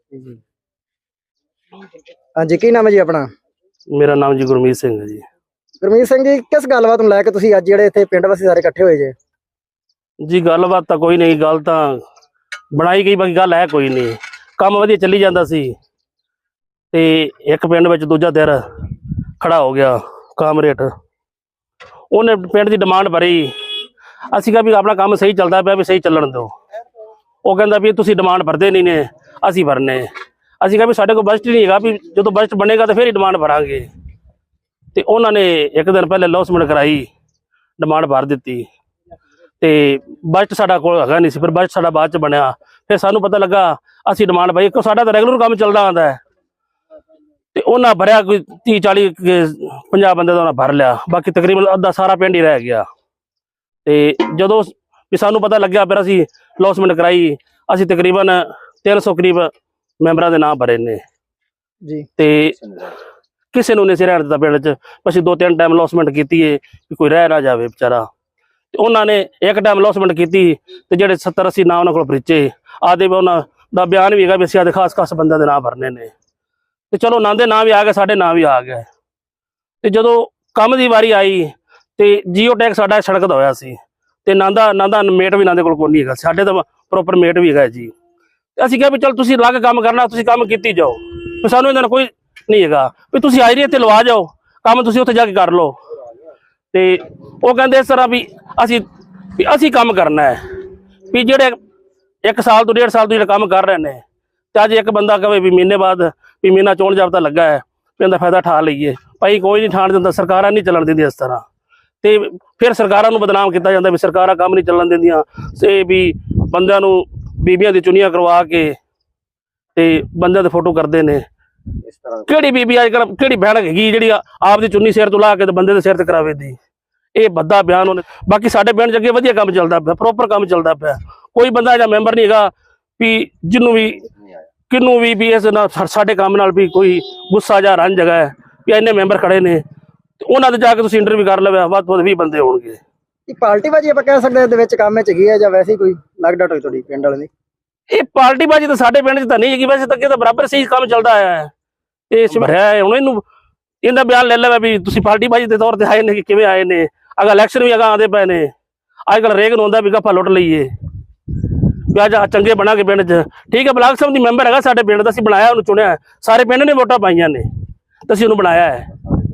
S1: ਹਾਂਜੀ, ਕੀ ਨਾਮ ਹੈ ਜੀ ਆਪਣਾ?
S9: ਮੇਰਾ ਨਾਮ ਜੀ ਗੁਰਮੀਤ ਸਿੰਘ ਹੈ ਜੀ।
S1: ਗੁਰਮੀਤ ਸਿੰਘ ਜੀ, ਕਿਸ ਗੱਲਬਾਤ ਨੂੰ ਲੈ ਕੇ ਤੁਸੀਂ ਅੱਜ ਜਿਹੜੇ ਇੱਥੇ ਪਿੰਡ ਵਾਸੀ ਸਾਰੇ ਇਕੱਠੇ ਹੋਏ ਜੇ?
S9: ਜੀ ਗੱਲਬਾਤ ਤਾਂ ਕੋਈ ਨਹੀਂ, ਗੱਲ ਤਾਂ ਬਣਾਈ ਗਈ, ਬਾਕੀ ਗੱਲ ਹੈ ਕੋਈ ਨਹੀਂ। ਕੰਮ ਵਧੀਆ ਚੱਲੀ ਜਾਂਦਾ ਸੀ ਤੇ ਇੱਕ ਪਿੰਡ ਵਿੱਚ ਦੂਜਾ ਧਿਰ ਖੜਾ ਹੋ ਗਿਆ ਕਾਮਰੇਟ, ਉਹਨੇ ਪਿੰਡ ਦੀ ਡਿਮਾਂਡ ਭਰੀ। ਅਸੀਂ ਕਿਹਾ ਵੀ ਆਪਣਾ ਕੰਮ ਸਹੀ ਚੱਲਦਾ ਪਿਆ, ਵੀ ਸਹੀ ਚੱਲਣ ਦਿਓ। ਉਹ ਕਹਿੰਦਾ ਵੀ ਤੁਸੀਂ ਡਿਮਾਂਡ ਭਰਦੇ ਨਹੀਂ ਨੇ, ਅਸੀਂ ਭਰਨੇ। ਅਸੀਂ ਕਿਹਾ ਵੀ ਸਾਡੇ ਕੋਲ ਬਜਟ ਨਹੀਂ ਹੈਗਾ, ਵੀ ਜਦੋਂ ਬਜਟ ਬਣੇਗਾ ਤਾਂ ਫਿਰ ਹੀ ਡਿਮਾਂਡ ਭਰਾਂਗੇ। ਤੇ ਉਹਨਾਂ ਨੇ ਇੱਕ ਦਿਨ ਪਹਿਲੇ ਲੌਸਮੈਂਟ ਕਰਾਈ, ਡਿਮਾਂਡ ਭਰ ਦਿੱਤੀ ਤੇ ਬਜਟ ਸਾਡਾ ਕੋਲ ਹੈਗਾ ਨਹੀਂ ਸੀ। ਫਿਰ ਬਜਟ ਸਾਡਾ ਬਾਅਦ ਚ ਬਣਿਆ। ਫਿਰ ਸਾਨੂੰ ਪਤਾ ਲੱਗਾ, ਅਸੀਂ ਡਿਮਾਂਡ ਭਾਈ, ਇੱਕ ਸਾਡਾ ਤਾਂ ਰੈਗੂਲਰ ਕੰਮ ਚੱਲਦਾ ਆਉਂਦਾ ਹੈ ਤੇ ਉਹਨਾਂ ਭਰਿਆ ਕੋਈ 30-40-50 ਬੰਦੇ ਦਾ ਉਹਨਾਂ ਭਰ ਲਿਆ। ਬਾਕੀ ਤਕਰੀਬਨ ਅੱਧਾ ਸਾਰਾ ਪਿੰਡ ਹੀ ਰਹਿ ਗਿਆ। ਤੇ ਜਦੋਂ ਵੀ ਸਾਨੂੰ ਪਤਾ ਲੱਗਿਆ, ਫਿਰ ਅਸੀਂ ਲੌਸਮੈਂਟ ਕਰਾਈ। ਅਸੀਂ ਤਕਰੀਬਨ 300 ਕਰੀਬ ਮੈਂਬਰਾਂ ਦੇ ਨਾਮ ਭਰੇ ਨੇ
S1: ਜੀ।
S9: ਤੇ ਕਿਸੇ ਨੂੰ ਨਹੀਂ ਸੀ ਰਹਿਣ ਦਿੱਤਾ ਪਿੰਡ 'ਚ। ਅਸੀਂ 2-3 ਟਾਈਮ ਲੌਸਮੈਂਟ ਕੀਤੀ ਹੈ ਵੀ ਕੋਈ ਰਹਿ ਨਾ ਜਾਵੇ ਵਿਚਾਰਾ। ਤੇ ਉਹਨਾਂ ਨੇ ਇੱਕ ਟਾਈਮ ਲੌਸਮੈਂਟ ਕੀਤੀ ਤੇ ਜਿਹੜੇ 70-80 ਨਾਂ ਉਹਨਾਂ ਕੋਲ ਭਰੀਚੇ ਆਦੇ, ਉਹਨਾਂ ਦਾ ਬਿਆਨ ਵੀ ਹੈਗਾ ਵੀ ਅਸੀਂ ਆਦੇ ਖਾਸ ਬੰਦਿਆਂ ਦੇ ਨਾਂ ਭਰਨੇ ਨੇ। ਤੇ ਚਲੋ ਨਾਂ ਦੇ ਨਾਂ ਵੀ ਆ ਗਏ, ਸਾਡੇ ਨਾਂ ਵੀ ਆ ਗਏ। ਤੇ ਜਦੋਂ ਕੰਮ ਦੀ ਵਾਰੀ ਆਈ ਤੇ ਜੀਓ ਟੈਗ ਸਾਡਾ ਸੜਕ ਦਾ ਹੋਇਆ ਸੀ ਤੇ ਨਾਂਦਾ ਮੇਟ ਵੀ ਨਾਂਦੇ ਕੋਲ ਕੋਈ ਨਹੀਂ ਹੈਗਾ, ਸਾਡੇ ਤਾਂ ਪ੍ਰੋਪਰ ਮੇਟ ਵੀ ਹੈਗਾ ਜੀ। ਤੇ ਅਸੀਂ ਕਿਹਾ ਵੀ ਚਲ ਤੁਸੀਂ ਅਲੱਗ ਕੰਮ ਕਰਨਾ, ਤੁਸੀਂ ਕੰਮ ਕੀਤੀ ਜਾਓ, ਵੀ ਸਾਨੂੰ ਇਹਨਾਂ ਨਾਲ ਕੋਈ ਨਹੀਂ ਹੈਗਾ, ਵੀ ਤੁਸੀਂ ਹਾਜ਼ਰੀ ਇੱਥੇ ਲਵਾ ਜਾਓ, ਕੰਮ ਤੁਸੀਂ ਉੱਥੇ ਜਾ ਕੇ ਕਰ ਲਓ। ਤੇ ਉਹ ਕਹਿੰਦੇ ਇਸ ਤਰ੍ਹਾਂ ਵੀ ਅਸੀਂ ਕੰਮ ਕਰਨਾ ਹੈ, ਵੀ ਜਿਹੜੇ 1 ਸਾਲ ਤੋਂ 1.5 ਸਾਲ ਤੋਂ ਜਿਹੜੇ ਕੰਮ ਕਰ ਰਹੇ ਨੇ, ਤੇ ਅੱਜ ਇੱਕ ਬੰਦਾ ਕਹੇ ਵੀ ਮਹੀਨੇ ਬਾਅਦ ਵੀ ਮਹੀਨਾ ਚੋਣ ਜਾਬਤਾ ਲੱਗਾ ਹੈ ਵੀ ਇਹਦਾ ਫਾਇਦਾ ਠਾ ਲਈਏ, ਭਾਈ ਕੋਈ ਨਹੀਂ ਠਾਣ ਦਿੰਦਾ, ਸਰਕਾਰਾਂ ਨਹੀਂ ਚੱਲਣ ਦਿੰਦੀਆਂ ਇਸ ਤਰ੍ਹਾਂ। ਤੇ ਫਿਰ ਸਰਕਾਰਾਂ ਨੂੰ ਬਦਨਾਮ ਕੀਤਾ ਜਾਂਦਾ ਵੀ ਸਰਕਾਰਾਂ ਕੰਮ ਨਹੀਂ ਚੱਲਣ ਦਿੰਦੀਆਂ, ਤੇ ਵੀ ਬੰਦਿਆਂ ਨੂੰ ਬੀਬੀਆਂ ਦੀ ਚੁੰਨੀਆਂ ਕਰਵਾ ਕੇ ਤੇ ਬੰਦਿਆਂ ਦੇ ਫੋਟੋ ਕਰਦੇ ਨੇ। ਕਿਹੜੀ ਬੀਬੀ ਅੱਜ ਕੱਲ੍ਹ ਕਿਹੜੀ ਭੈਣ ਹੈਗੀ ਜਿਹੜੀ ਆਪਦੀ ਚੁੰਨੀ ਸਿਰ ਤੋਂ ਲਾ ਕੇ ਤੇ ਬੰਦੇ ਦੇ ਸਿਰ ਤੇ ਕਰਾਵੇ ਦੀ? ਇਹ ਬੱਦਾ ਬਿਆਨ ਉਹਨੇ। ਬਾਕੀ ਸਾਡੇ ਪਿੰਡ 'ਚ ਅੱਗੇ ਵਧੀਆ ਕੰਮ ਚੱਲਦਾ ਪਿਆ, ਪ੍ਰੋਪਰ ਕੰਮ ਚੱਲਦਾ ਪਿਆ। ਕੋਈ ਬੰਦਾ ਜਾਂ ਮੈਂਬਰ ਨਹੀਂ ਹੈਗਾ ਵੀ ਜਿਹਨੂੰ ਵੀ ਕਿਹਨੂੰ ਵੀ ਇਸ ਨਾਲ ਸਾਡੇ ਕੰਮ ਨਾਲ ਵੀ ਕੋਈ ਗੁੱਸਾ ਜਾਂ ਰੰਜ ਹੈਗਾ ਹੈ ਵੀ ਇੰਨੇ ਮੈਂਬਰ ਖੜੇ ਨੇ, ਤੇ ਉਹਨਾਂ ਦੇ ਜਾ ਕੇ ਤੁਸੀਂ ਇੰਟਰਵਿਊ ਕਰ ਲਵੇ, ਵੱਧ ਤੋਂ ਵੱਧ 20 ਬੰਦੇ ਹੋਣਗੇ।
S1: ਇਹ ਪਾਰਟੀਬਾਜ਼ੀ ਆਪਾਂ ਕਹਿ ਸਕਦੇ ਇਹਦੇ ਵਿੱਚ ਕੰਮ 'ਚ ਹੈਗੀ ਹੈ, ਜਾਂ ਵੈਸੇ ਹੀ ਕੋਈ ਲੱਗਦਾ ਹੋਈ ਤੁਹਾਡੀ ਪਿੰਡ ਵਾਲੇ ਦੀ?
S9: ਇਹ ਪਾਰਟੀਬਾਜ਼ੀ ਤਾਂ ਸਾਡੇ ਪਿੰਡ 'ਚ ਤਾਂ ਨਹੀਂ ਹੈਗੀ, ਵੈਸੇ ਤਾਂ ਅੱਗੇ ਤਾਂ ਬਰਾਬਰ ਸਹੀ ਕੰਮ ਚੱਲਦਾ ਆਇਆ ਹੈ। ਇਹ ਭਰਿਆ ਹੈ, ਹੁਣ ਇਹਦਾ ਬਿਆਨ ਲੈ ਲਵੇ ਵੀ ਤੁਸੀਂ ਪਾਰਟੀਬਾਜ਼ੀ ਦੇ ਤੌਰ ਤੇ ਆਏ ਨੇ ਕਿ ਕਿਵੇਂ ਆਏ ਨੇ। ਅਗਾ ਇਲੈਕਸ਼ਨ ਵੀ ਅਗਾ ਆਉਂਦੇ ਪਏ ਨੇ, ਅੱਜ ਕੱਲ੍ਹ ਰੇਗ ਨੂੰ ਹੁੰਦਾ ਵੀ ਗੱਫਾ ਲੁੱਟ ਲਈਏ ਵੀ ਅੱਜ ਚੰਗੇ ਬਣਾਂਗੇ ਪਿੰਡ 'ਚ। ਠੀਕ ਹੈ, ਬਲਾਕ ਸਮਿਤੀ ਮੈਂਬਰ ਹੈਗਾ ਸਾਡੇ ਪਿੰਡ ਦਾ, ਅਸੀਂ ਬਣਾਇਆ, ਉਹਨੂੰ ਚੁਣਿਆ, ਸਾਰੇ ਪਿੰਡ ਨੇ ਵੋਟਾਂ ਪਾਈਆਂ ਨੇ ਤੇ ਅਸੀਂ ਉਹਨੂੰ ਬਣਾਇਆ ਹੈ।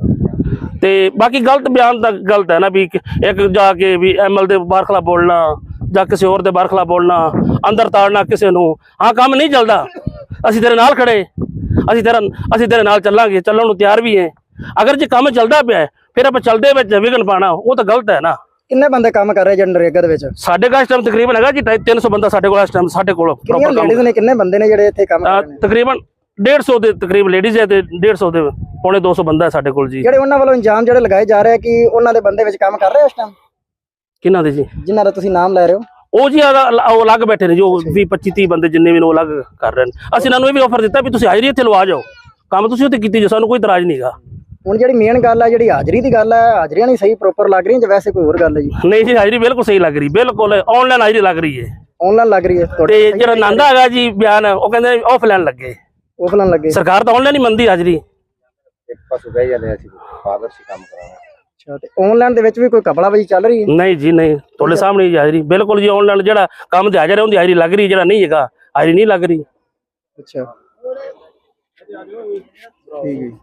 S9: ਤੇ ਬਾਕੀ ਗਲਤ ਬਿਆਨ ਤਾਂ ਗਲਤ ਹੈ ਨਾ, ਵੀ ਇੱਕ ਜਾ ਕੇ ਵੀ ਐਮਐਲ ਦੇ ਬਾਹਰ ਖਿਲਾਫ ਬੋਲਣਾ ਜਾਂ ਕਿਸੇ ਹੋਰ ਦੇ ਬਾਹਰ ਖਿਲਾਫ ਬੋਲਣਾ, ਅੰਦਰ ਤਾੜਨਾ ਕਿਸੇ ਨੂੰ। ਹਾਂ, ਕੰਮ ਨਹੀਂ ਚੱਲਦਾ, ਅਸੀਂ ਤੇਰੇ ਨਾਲ ਖੜੇ, ਅਸੀਂ ਤੇਰੇ ਨਾਲ ਚੱਲਾਂਗੇ, ਚੱਲਣ ਨੂੰ ਤਿਆਰ ਵੀ ਹੈ। ਅਗਰ ਜੇ ਕੰਮ ਚੱਲਦਾ ਪਿਆ ਫਿਰ ਆਪਾਂ ਚੱਲਦੇ ਵਿੱਚ ਵਿਘਨ ਪਾਣਾ, ਉਹ ਤਾਂ ਗਲਤ ਹੈ ਨਾ।
S1: ਕਿੰਨੇ ਬੰਦੇ ਕੰਮ ਕਰ ਰਹੇ ਨਰੇਗਾ ਦੇ ਵਿੱਚ?
S9: ਸਾਡੇ ਕੋਲ ਇਸ ਟਾਈਮ ਤਕਰੀਬਨ ਹੈਗਾ ਜੀ 300 ਬੰਦਾ ਸਾਡੇ ਕੋਲ ਇਸ ਟਾਈਮ। ਸਾਡੇ ਕੋਲ
S1: ਕਿੰਨੀਆਂ ਲੇਡੀਜ਼ ਨੇ, ਕਿੰਨੇ ਬੰਦੇ ਨੇ ਜਿਹੜੇ ਇੱਥੇ ਕੰਮ ਕਰ ਰਹੇ ਨੇ?
S9: ਤਕਰੀਬਨ 150 ਦੇ ਤਕਰੀਬ ਲੇਡੀਜ਼ ਹੈ ਤੇ 150 ਦੇ ਪੌਣੇ 200 ਬੰਦਾ ਹੈ ਸਾਡੇ ਕੋਲ ਜੀ।
S1: ਜਿਹੜੇ ਉਹਨਾਂ ਵੱਲੋਂ ਇੰਜਾਮ ਜਿਹੜੇ ਲਗਾਏ ਜਾ ਰਹੇ ਕਿ ਉਹਨਾਂ ਦੇ ਬੰਦੇ ਵਿੱਚ ਕੰਮ ਕਰ ਰਹੇ ਇਸ ਟਾਈਮ?
S9: ਕਿਹਨਾਂ ਦੇ ਜੀ?
S1: ਜਿਨ੍ਹਾਂ ਦਾ ਤੁਸੀਂ ਨਾਮ ਲੈ ਰਹੇ ਹੋ
S9: ਉਹ ਜੀ ਉਹ ਅਲੱਗ ਬੈਠੇ ਨੇ, ਜੋ 20 25 30 ਬੰਦੇ ਜਿੰਨੇ ਵੀ ਨੇ ਉਹ ਅਲੱਗ ਕਰ ਰਹੇ ਨੇ। ਅਸੀਂ ਇਹਨਾਂ ਨੂੰ ਇਹ ਵੀ ਆਫਰ ਦਿੱਤਾ ਵੀ ਤੁਸੀਂ ਹਾਜ਼ਰੀ ਇੱਥੇ ਲਵਾ ਜਾਓ, ਕੰਮ ਤੁਸੀਂ ਉੱਥੇ ਕੀਤੀ ਜੋ, ਸਾਨੂੰ ਕੋਈ ਇਤਰਾਜ਼ ਨਹੀਂਗਾ।
S1: ਹੁਣ ਜਿਹੜੀ ਮੇਨ ਗੱਲ ਹੈ, ਜਿਹੜੀ ਹਾਜ਼ਰੀ ਦੀ ਗੱਲ ਹੈ, ਹਾਜ਼ਰੀਆਂ ਨਹੀਂ ਸਹੀ ਪ੍ਰੋਪਰ ਲੱਗ ਰਹੀਆਂ ਜਾਂ ਵੈਸੇ ਕੋਈ ਹੋਰ ਗੱਲ ਹੈ ਜੀ?
S9: ਨਹੀਂ ਜੀ, ਹਾਜ਼ਰੀ ਬਿਲਕੁਲ ਸਹੀ ਲੱਗ ਰਹੀ, ਬਿਲਕੁਲ ਆਨਲਾਈਨ ਹਾਜ਼ਰੀ ਲੱਗ ਰਹੀ ਹੈ।
S1: ਆਨਲਾਈਨ ਲੱਗ ਰਹੀ ਹੈ
S9: ਤੇ ਜਿਹੜਾ ਨੰਦਾ ਹੈਗਾ ਜੀ ਬਿਆਨ, ਉਹ ਕਹਿੰਦੇ ਆਫਲਾਈਨ ਲੱਗੇ,
S1: ਆਫਲਾਈਨ ਲੱਗੇ।
S9: ਸਰਕਾਰ ਤਾਂ ਆਨਲਾਈਨ ਹੀ ਮੰਨਦੀ ਹਾਜ਼ਰੀ।
S8: ਇੱਕ ਪਾਸੇ ਬਹਿ ਜਾਂਦੇ ਅਸੀਂ ਪਾਰਦਰਸ਼ੀ ਕੰਮ ਕਰਾਂਗੇ।
S1: ਅੱਛਾ, ਤੇ ਆਨਲਾਈਨ ਦੇ ਵਿੱਚ ਵੀ ਕੋਈ ਕਪੜਾਬਾਜ਼ੀ ਚੱਲ ਰਹੀ ਹੈ?
S9: ਨਹੀਂ ਜੀ, ਨਹੀਂ, ਤੁਹਾਡੇ ਸਾਹਮਣੇ ਹੀ ਹਾਜ਼ਰੀ ਬਿਲਕੁਲ ਜੀ। ਆਨਲਾਈਨ ਜਿਹੜਾ ਕੰਮ ਤੇ ਹਾਜ਼ਰ ਹੈ ਉਹਦੀ ਹਾਜ਼ਰੀ ਲੱਗ ਰਹੀ, ਜਿਹੜਾ ਨਹੀਂ ਹੈਗਾ ਹਾਜ਼ਰੀ ਨਹੀਂ ਲੱਗ ਰਹੀ।
S1: ਅੱਛਾ, ਠੀਕ ਹੈ।